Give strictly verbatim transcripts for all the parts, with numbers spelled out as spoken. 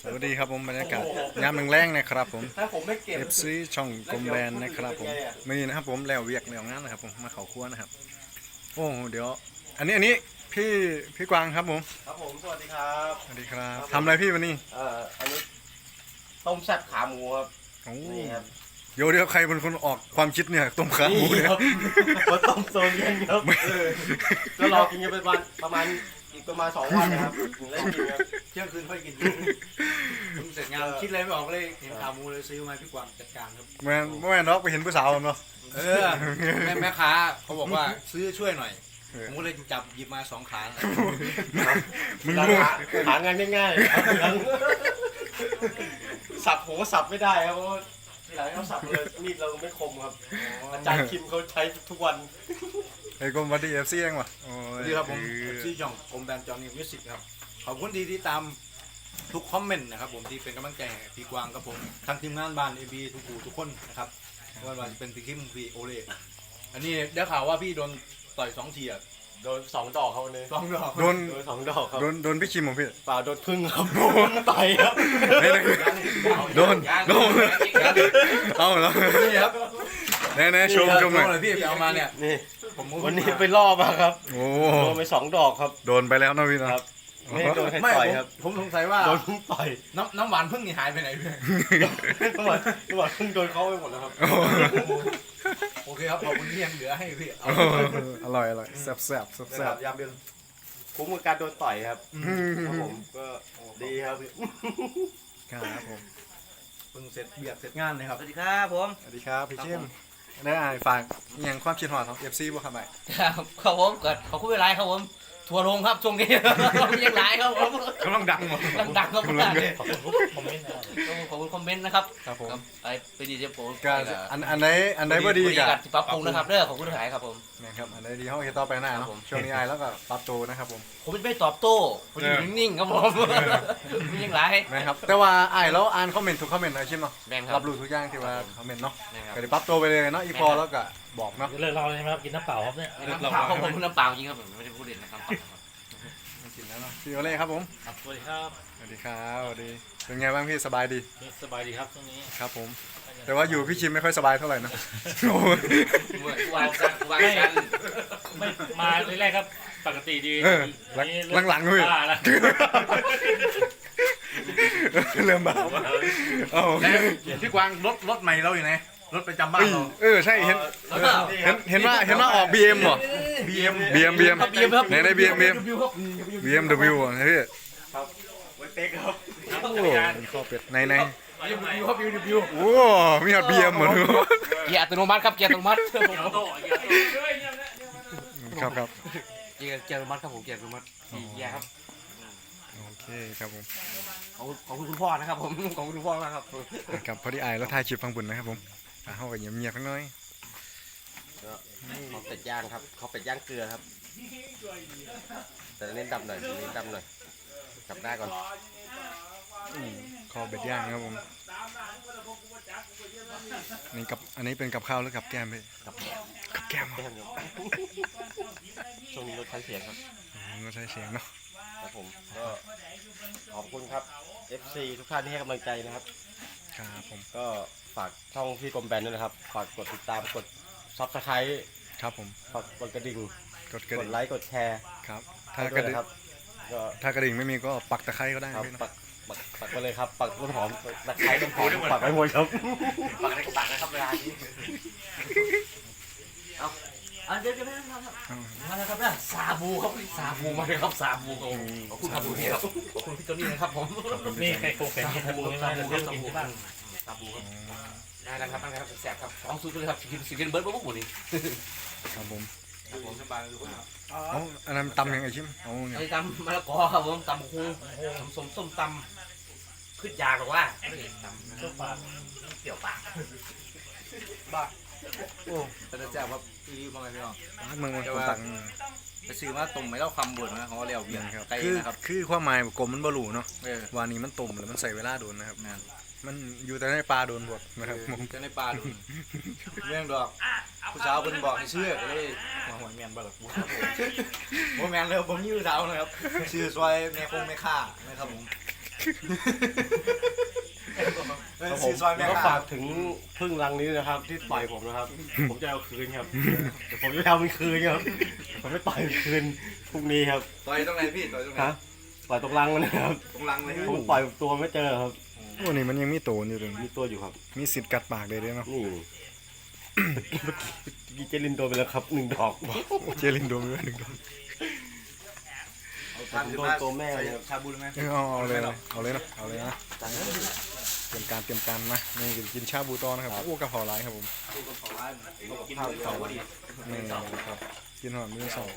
สวัสดีครับผมบรรยากาศยามแรงๆนะครับผมถ้าผมไม่เก็บเอฟ ซี ช่องกลมแบนนะครับผมมื่อนี้นะครับผมแล้วเวียกแล้วงานนะครับผมมาเขาครัวนะครับโอ้เดี๋ยวอันนี้อันนี้พี่พี่กวางครับผมครับผมสวัสดีครับสวัสดีครับทำอะไรพี่วันนี้เอ่ออันนี้ต้มแซ่บขาหมูครับโอ้นี่ครับเดี๋ยวเดี๋ยวใครเป็นคนออกความคิดเนี่ยต้มขาหมูเนี่ยมาต้มโซนเย็นครับเออก็รอกินกันไปประมาณประมาณอีกประมาณสองวันนะครับถึงได้กินครับเที่ยงคืนค่อยกินเพิ่งเสร็จงานคิดอะไรไม่ออกเลยเห็นขาหมูเลยซื้อมาพี่กวางจัดการครับแม่แม่นอกไปเห็นผู้สาวเนาะเออแม่แม่ค้าเขาบอกว่าซื้อช่วยหน่อยผมก็เลยจับหยิบมาสองขามึงหารู้หางานง่ายๆครับสับผมก็สับไม่ได้ครับเพราะว่าทีหลังเขาสับเลยมีดเราไม่คมครับอาจารย์คิมเขาใช้ทุกวันไอ้กรมวัดดีเอฟซีเองวะโอ้สยวัสดีครับผมชื่อจ่องกรมแบรนด์จอห์นนี่มิวสิกครับขอบคุณที่ที่ตามทุกคอมเมนต์นะครับผมที่เป็นกำลังใจให้พี่กวางกับผมทั้งทีมงานบ้านเอบีทุกผู้ทุกคนนะครับไม่ว่าจะเป็นพี่คิมพี่โอเล่อันนี้ได้ข่าวว่าพี่โดนต่อยสองทีอ่ะโดนสองดอกเขาเลยสองดอกโดนโดนสองดอกครับโดนโดนพี่คิมของพี่เปล่าโดนพึ่งครับโดนต่อยครับไหนไหนโดนโดนเอาเหรอนี่ครับแน่แน่ชมชมหน่อยเลยพี่ไปเอามาเนี่ยนี่ผมวันนี้ไปล่อมาครับโอ้โดนไปสองดอกครับโดนไปแล้วนะพี่นะครับไม่ได้โดนใครไม่ต่อยผมครับผมสงสัยว่าโดนพึ่งต่อยน้ำน้ำหวานพึ่งนี่หายไปไหนพี่จังหวะจังหวะพึ่งโดนเขาไปหมดแล้วครับโอ้โอเคครับขอบคุณที่ยังเหลือให้พี่เอาอร่อยอร่อยแซ่บแซ่บแซ่บนะแซ่ครับ บยามเย็นคุ้มกับการโดนต่อยครับครับผมก็ดีครับครับผมเพิ่งเสร็จเบียดเสร็จงานเลยครับสวัสดีครับผมสวัสดีครับพี่เข้มได้อ่านฝากอหย่างความคิดหอดของเอฟซีบ่ครับไปครับครับผมเกิดขอบคุณเวลาครับผมทัวร์ลงครับช่วงนี้ ยังหลายครับผมกำลังดังหมดดังดังครับผมขอบคุณคอมเมนต์นะครับขอบคุณคอมเมนต์นะครับครับผมครับไปไปดีเจโปก็อันอันไหนอันไหนบ่ดีกักันที่ปรับปรุงนะครับเด้อขอบคุณหลายครับผมนะครับอันไหนดีเขาเฮ็ดต่อไปหน้าครัเนาะบผมช่วงนี้อายแล้วก็ปรับตัวนะครับผมผมไม่ตอบโต้ผมอยู่นิ่งๆครับผมยังหลายนะครับแต่ว่าอายแล้วอ่านคอมเมนต์ทุกคอมเมนต์นะชิมเนาะแม่นครัรับบ รู้ทุกอย่างที่ว่าคอมเมนต์เนาะแม่นครับก็ได้ปรับตัวไปเลยเนาะอีพอแล้วก็บอกเนาะเลิกเราเลยใช่ไหมครับกินน้ำเปล่าครับเนี่ยน้ำเปล่าครับผมน้ำเปล่าจริงครับผมไม่ได้พูดเล่นนะครับมากินแล้วเนาะพี่โอเล่ครับผมครับสวัสดีครับสวัสดีครับสวัสดีเป็นไงบ้างพี่สบายดีสบายดีครับช่วงนี้ครับผม แต่ว่าอยู่พี่ชิมไม่ค่อยสบายเท่าไหร่นะโอ้ยวางกันวางกันไม่มาแรกๆครับปกติดีเออหลังหลังๆเลยบ้าแล้วเริ่มบ้าโอ้โหแล้วพี่กวางรถรถใหม่เราอยู่ไหนรถประจำบ้านเอ้ยเราเออใช่เห็นแล้วก็เห็นเห็นว่าเห็นว่าออก บี เอ็ม เหรอบีเอ็มบี เอ็ม บี เอ็มบีเอ็มครับไหนไหน บี เอ็ม บี เอ็ม บี เอ็ม ดับเบิลยู อ่ะพี่ครับไว้เป๊กครับโอ้ข้อเป็ดไหนไหนบิวบิวครับบิวบิวโอ้มีฮอต บี เอ็ม เหมือนกันเกียร์อัตโนมัติครับเกียร์อัตโนมัติครับครับเกียร์เกียร์อัตโนมัติครับผมเกียร์อัตโนมัติสี่เกียร์ครับโอเคครับผมขอบคุณขอบคุณคุณพ่อนะครับผมขอบคุณคุณพ่อมากครับครับพอดีอายแล้วถ่ายคลิปฟังบุญนะครับผมอ่ะเขาก็เงียบเงียบๆข้างน้อยเขาเป็ดย่างครับเขาเป็ดย่างเกลือครับ แต่เน้นดำหน่อยเน้นดำหน่อยกลับหน้าก่อนอืมคอเป็ดย่างครับผมนี่กับอันนี้เป็นกับข้าวหรือกับแก้มพี่กับแก้มกับแก้มแก้มครับช่วงนี้รถคันเสียงครับอืมก็ใช้เสียงเนาะครับผมก็ขอบคุณครับ เอฟ ซี ทุกท่านที่ให้กำลังใจนะครับครับผมก็ฝากช่องพี่กรมแบนด้วยนะครับ ฝากกดติดตามกดซับสไครต์ครับผมฝากกดกระดิ่งกดกระกดดิ่งไลค์กดแชร์ครับถ้าให้กด้ระวยดิ่งนะครับก็ถ้ากระดิ่งไม่มีก็ปักตะไคร้ก็ได้ครับพี่เนาะปักปักปักไปเลยครับ ปักต้นหอมตะไคร้ต้นหอมปักไปหมดครับปักอะไรก็ปักนะครับเวลานี้เอาเอาเดี๋ยวเดี๋ยวนะครับอืมมาแล้วครับนะซาบูครับซาบูมาเลยครับซาบูครับขอบคุณครับพี่ครับขอบคุณพี่โจนี่นะครับผมนี่ใครโครงแข่งที่ทำบุญมาจะเที่ยวกินที่บ้านซาบูครับได้แล้วครับได้แล้วครับแสบครับสองสูตรเลยครับสิกินเบิร์ดบุ๊กหมดนี่ครับผมครับผมสบายเลยคุณเอาอันนั้นตำยังไงชิมเอาเนี่ยไอ้ตำมะละกอครับผมตำคูตำส้มส้มตำขึ้นยาหรอว่าตำเจ้าปากเปรี้ยวปากโอ้แต่จะแซ่บครับพี่มองไงพี่น้องมึงมันคนตังไปซื้อมาตุ่มไม่เล่าความบ่นนะเขาเรียกเบียนี่ร์ครับไก่คือนะครับคือความหมายกลมมันบรูเนาะเออวานี้มันตุ่มแล้วมันใส่เวลาโดนนะครับแม่นมันอยู่แต่ในปลาโดนบดนะครับผมจะในปลาดูเรื่องดอกผู้สาวเพิ่นบอกให้เชื่อก็เลยมาหวยแมนบ่ล่ะกูครับผมบ่แมนเลยผมยื้อสาวนะครับชื่อซอยแม่คงแม่ค่านะครับผมครับผมแล้วก็ฝากถึงพึ่งรังนี้นะครับ ที่ต่อยผมนะครับ ผมจะเอาคืนครับแต่ผมจะเอามันคืนครับผมไม่ต่อยมันคืนพรุ่งนี้ครับต่อยตรงไหนพี่ต่อยตรงไหนฮะต่อยตรงรังมันนะครับตรงรังเลยผมต่อยตัวไม่เจอครับโอ้นี่มันยังมีโตนอยู่เลยมีตัวอยู่ครับมีสิทธิ์กัดปากเลยด้วยเนาะนี่เมื่อกี้เจลินโดนไปแล้วครับหนึ่งดอกเจลินโดนไปหนึ่งโดนผมโดนตัวแม่เลยครับชาบูเลยไหมเออเอาเอาเลยนะเอาเลยนะเอาเลยนะเตรียมการเตรียมการนะนี่กินชาบูตอนะครับโอ้กระเพราไรครับผมกินเต่าพอดีนี่ครับกินหอมมือสอง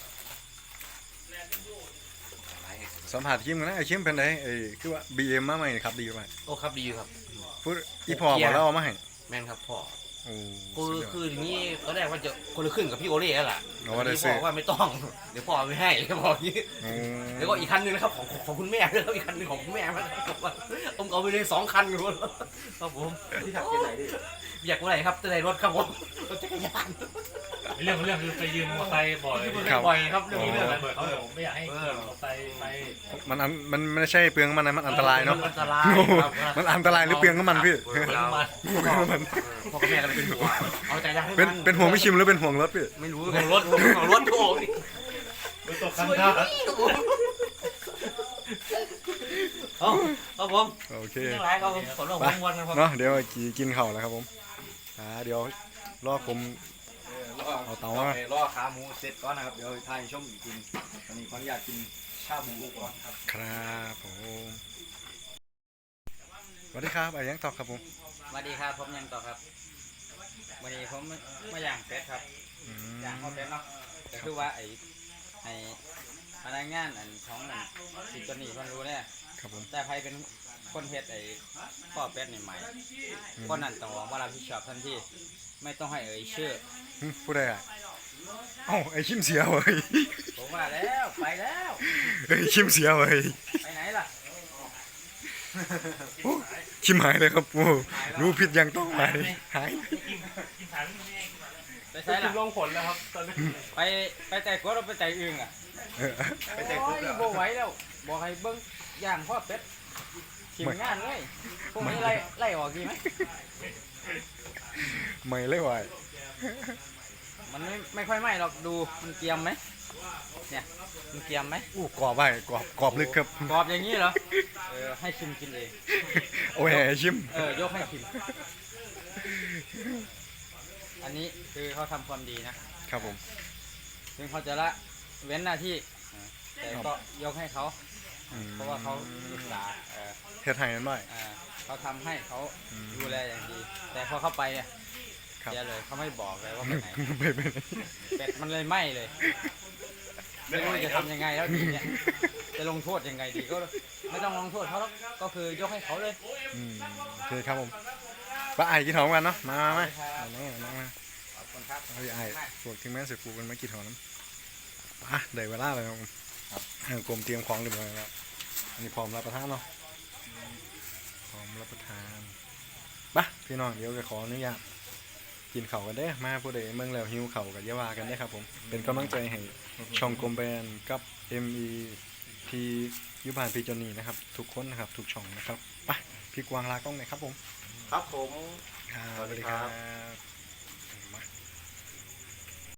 สัมผัสคิมกันนะไอ้คิมเป็นไงไอ้คือว่าบีเอ็มมาใหม่ครับดีไหมโอ้ครับดีครับพูดอีพอบอกแล้วเอามาให้แม่นครับพ่อโอ้คือสุดยอดคือทีนี้ตอนแรกว่าจะคนละครึ่งกับพี่โอเล่แล้วล่ะเอาว่าได้ที่ซื้พ่ออว่าไม่ต้อง เดี๋ยวพ่อเอาไม่ให้บอกอย่างนี้โอ้แล้วก็อีกคันหนึงนะครับของของของคุณแม่ด้วยครับอีกคันหนึงของคุณแม่นะครับผมเอาไปเลยสองคันอยู่ครับผมที่ขับที่ไหนดิอยากว่าอะไรครับจะได้รถครับผมรถจักรยานเรื่องเรื่องคือไปยืมมอเตอร์ไซค์บ่อยบ่อยครับเรื่องมีนี้เรื่เรื่ออง งอะไรเขาผมไม่อยากให้ขี่มอเตอร์ไซค์ไปมันอันมันมันไม่ใช่เปลืองมันนะมันอันตรายเนาะอันตรายครับมันอันตรายหรือเปลืองน้ำมันพี่เรื่องมันมันพ่อกับแม่ก็เลยเป็นห่วงเอาใจยากให้เป็นมันเป็นห่วงพี่ชิมหรือเป็นห่วงรถพี่ไม่รู้ของรถของรถโอ้ยตกคันท่าเอาครับผมโอเคยังไรครับผมขอเรื่องของวันนะครับเนาะเดี๋ยวกินกินข้าวแล้วครับผมอ่าเดี๋ยวรอผมเอาเตามารอขาหมูเสร็จก่อนนะครับเดี๋ยวทายชมอีกทีตอนนี้ขออนุญาตกินชาบูก่อนครับครับผมสวัสดีครับไอ้ยังตอบครับผมสวัสดีครับผมยังต่อครับวันนี้ผมมาย่างเป็ดครับอืมย่างข้าวเป็ดเนาะก็คือว่าไอ้ไอ้พนักงานอันของอันสิตัวนี้มันรู้เนี่ยครับผมแต่ใครเป็นคนเฮ็ดไอ้ข้อเป็ดนี่ใหม่คนนั้นต้องบอกว่ารับผิดชอบทันทีไม่ต้องให้เอ่ยชื่อหึผู้ใดอ่ะเอ้าไอ้ชิมเสียเว้ยผมว่าแล้วไปแล้วไอ้ยชิมเสียเว้ยไปไหนล่ะโอ้ชิมหายเลยครับโอ้รู้ผิดยังต้องหายหายกินถังนี่ไปใช้ล่ะลงผลแล้วครับตอนนี้ไปไปใจกดเราไปใจอึ่งอ่ะเออไปใจกดโอ้ยบ่ไหวแล้วบอกให้เบิ้งย่างข้อเป็ดทีมงานเลยพวกนี้ไล่ไล่ออกดีไหมไม่เลยว่ะมันไม่ไม่ค่อยไหม้หรอกดูมันเกรียมไหมเนี่ยมันเกรียมไหมอู้กรอบไปกรอบกรอบลึกครับกรอบอย่างนี้เหรอเออให้ชิมกินเองโอ้ยไอ้ชิมเออยกให้ชิมอันนี้คือเขาทำความดีนะครับผมถึงเขาจะละเว้นหน้าที่เออแต่ก็ยกให้เขาอืมเพราะว่าเขาศึกษาเออเฮ็ดให้นั่นหน่อยเออเขาทำให้เขาอืมดูแลอย่างดี แต่พอเข้าไปเนี่ยครับเสียเลยเขาไม่บอกเลยว่าไปไหนไปไปไหนเป็ดมันเลยไหม้เลยไม่รู้จะทำยังไงแล้วทีเนี้ยจะลงโทษยังไงดีก็ไม่ต้องลงโทษเขาหรอกก็คือยกให้เขาเลยอืมโอเคครับผมป้าไอ้กินหอมกันเนาะมามามาเอาน้องน้องมาขอบคุณครับเอาไอ้พวกที่แม่เสือปูกันมากินหอมน้ำอ่ะได้เวลาแล้วครับผมครับกลมเตรียมของเรียบร้อยแล้วอันนี้พร้อมรับประทานเนาะพร้อมรับประทานไปพี่น้องเดี๋ยวจะขออนุญาตกินเข่าวกันเด้อมาผู้ใดเมืองแล้วหิวเข่าวกับยาวากันได้อครับผมเป็นกำลังใจให้ช่องกลมแบนกับ เอ็ม อี พียุพานพีจนีนะครับทุกคนนะครับทุกช่องนะครับไปพี่กวางลากล้องหน่อยครับผมครับผมครับสวัสดีครับบ